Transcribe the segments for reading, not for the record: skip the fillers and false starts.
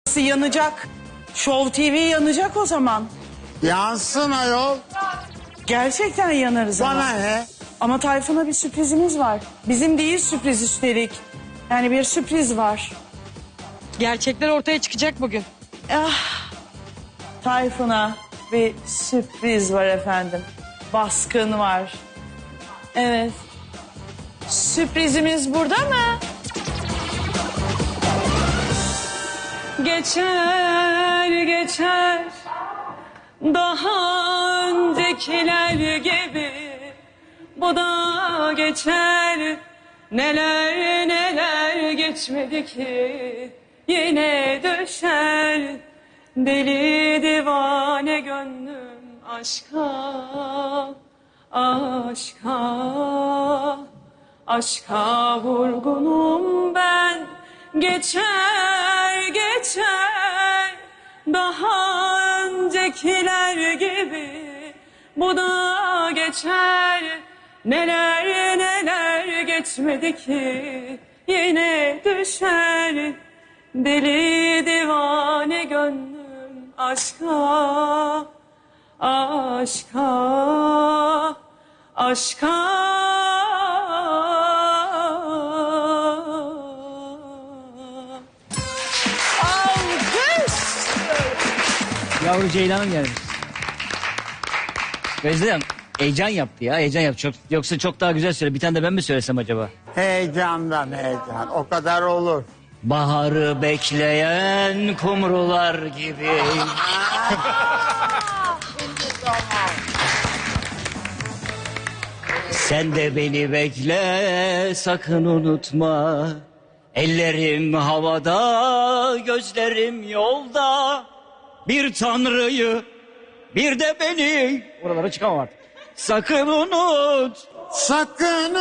yanacak. Show TV yanacak o zaman. Yansın ayol. Gerçekten yanarız ama. Bana ne? Ama Tayfun'a bir sürprizimiz var. Bizim değil sürpriz üstelik. Yani bir sürpriz var. Gerçekler ortaya çıkacak bugün. Tayfun'a bir sürpriz var efendim. Baskın var. Evet. Sürprizimiz burada mı? Geçer geçer daha öncekiler gibi bu da geçer. Neler neler geçmedi ki yine düşer. Deli divane gönlüm aşka, aşka, aşka vurgunum ben. Geçer geçer daha öncekiler gibi bu da geçer. Neler neler geçmedi ki yine düşer. Deli divane gönlüm aşka, aşka, aşka. Yavru Ceylan'ım gelmiş. Gözlem heyecan yaptı ya, heyecan yaptı. Yoksa çok daha güzel söyle. Bir tane de ben mi söylesem acaba? Heyecandan heyecan. O kadar olur. Baharı bekleyen kumrular gibi. Sen de beni bekle, sakın unutma. Ellerim havada, gözlerim yolda. Bir tanrıyı, bir de beni. Oralara çıkamam artık. Sakın unut. Sakın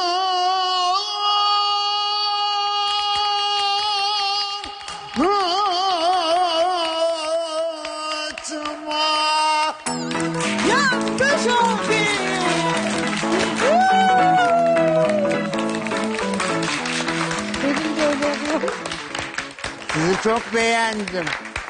unutma. Yanlış oldu. Sizi çok beğendim.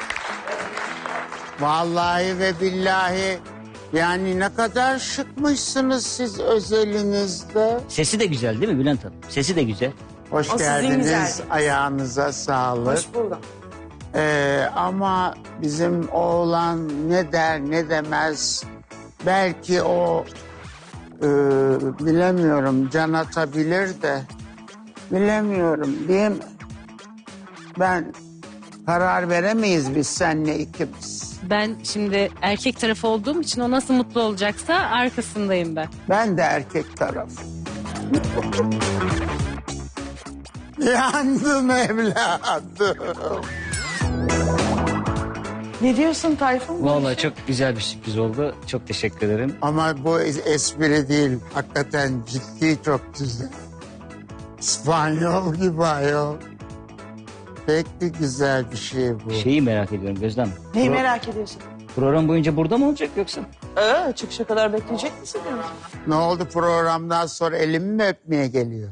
Vallahi ve billahi yani ne kadar şıkmışsınız siz özelinizde. Sesi de güzel değil mi Bülent Hanım? Sesi de güzel. Hoş O sizin geldiniz. güzelliğiniz. Ayağınıza sağlık. Hoş buldum. Ama bizim oğlan ne der ne demez. Belki o bilemiyorum can atabilir de. Bilemiyorum değil mi? Ben karar veremeyiz biz seninle ikimiz. Ben şimdi erkek tarafı olduğum için o nasıl mutlu olacaksa arkasındayım ben. Ben de erkek tarafı. Yandım evladım. Ne diyorsun Tayfun? Vallahi çok güzel bir sürpriz oldu. Çok teşekkür ederim. Ama bu espri değil. Hakikaten ciddi çok güzel. İspanyol gibi ayol. Pek bir güzel bir şey bu. Şeyi merak ediyorum Gözlem. Neyi merak ediyorsun? Program boyunca burada mı olacak yoksa? Çıkışa kadar bekleyecek misin? Ne oldu programdan sonra elimi mi öpmeye geliyor?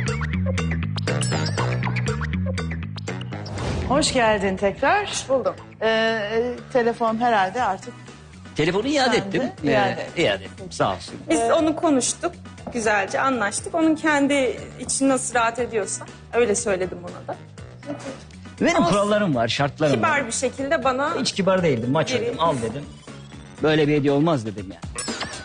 Hoş geldin tekrar. Hoş buldum. Telefon herhalde artık. Telefonu iade Sen de ettim. iade ettim. Sağ olsun. Biz onu konuştuk, güzelce anlaştık. Onun kendi için nasıl rahat ediyorsa öyle söyledim ona da. Benim Ama kurallarım var, şartlarım var. Kibar bir şekilde bana Hiç kibar değildim. Maç Geri- oynadım, al dedim. Böyle bir hediye olmaz dedim yani.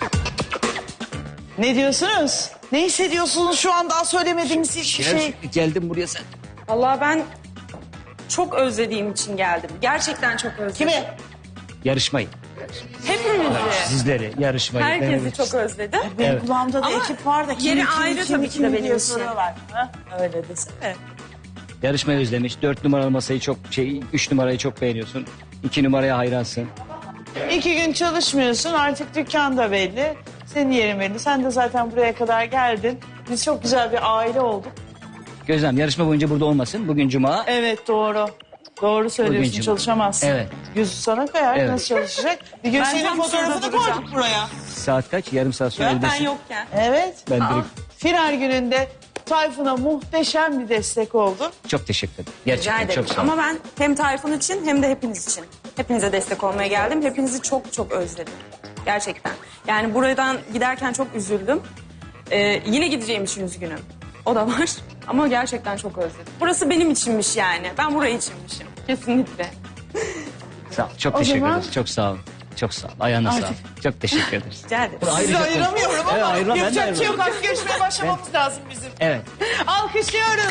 Ne diyorsunuz? Ne hissediyorsunuz şu an daha söylemediğiniz hiçbir şey? Geldim buraya sen. vallahi ben çok özlediğim için geldim. Gerçekten çok özledim. Kimi? Yarışmayı, Hepimizi, sizleri, yarışmayı. herkesi denemek çok istedim. özledim. Benim Evet. kulağımda da Ama ekip var da yeri ayrı tabii ki de benim diye için. soruyorlar. Ha? Öyle desene. Yarışmayı özlemiş. 4 numaralı masayı çok 3 numarayı çok beğeniyorsun. 2 numaraya hayransın. 2 gün çalışmıyorsun artık dükkan da belli. Senin yerin belli. Sen de zaten buraya kadar geldin. Biz çok güzel bir aile olduk. Gözlem yarışma boyunca burada olmasın. Bugün cuma. Evet doğru. Doğru söylüyorsun Bugün çalışamazsın. Evet. Yüzü sana kayar Evet. nasıl çalışacak? Bir gün Ben senin tam fotoğrafını şurada duracağım. koyduk buraya. Saat kaç? Yarım saat sonra Ben evdesin. yokken. Evet. Ben Aa, direkt- Final gününde Tayfun'a muhteşem bir destek oldun. Çok teşekkür ederim. Rica Gerçekten ederim. çok sağ olun. Ama ben hem Tayfun için hem de hepiniz için. Hepinize destek olmaya geldim. Hepinizi çok çok özledim. Gerçekten. Yani buradan giderken çok üzüldüm. Yine gideceğim için üzgünüm. O da var. Ama gerçekten çok özledim. Burası benim içinmiş yani. Ben burayı içinmişim. Kesinlikle. Sağ ol. Çok O teşekkür zaman- ederiz. Çok sağ olun. Çok sağ ol. Ayağına sağlık. Çok teşekkür ederiz. Rica ederim. Sizi ayıramıyorum Evet, ama ayırma, ben de yapacak bir şey yok. ayırmam. Artık görüşmeye başlamamız lazım bizim. Evet. Alkışlıyoruz.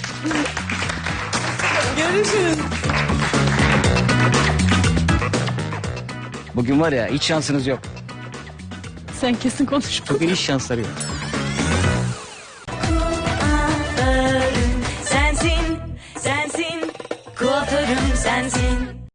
Görüşürüz. Bugün var ya hiç şansınız yok. Sen kesin konuşma. Bugün hiç şansları yok. Sensin, sensin, kuaförüm sensin.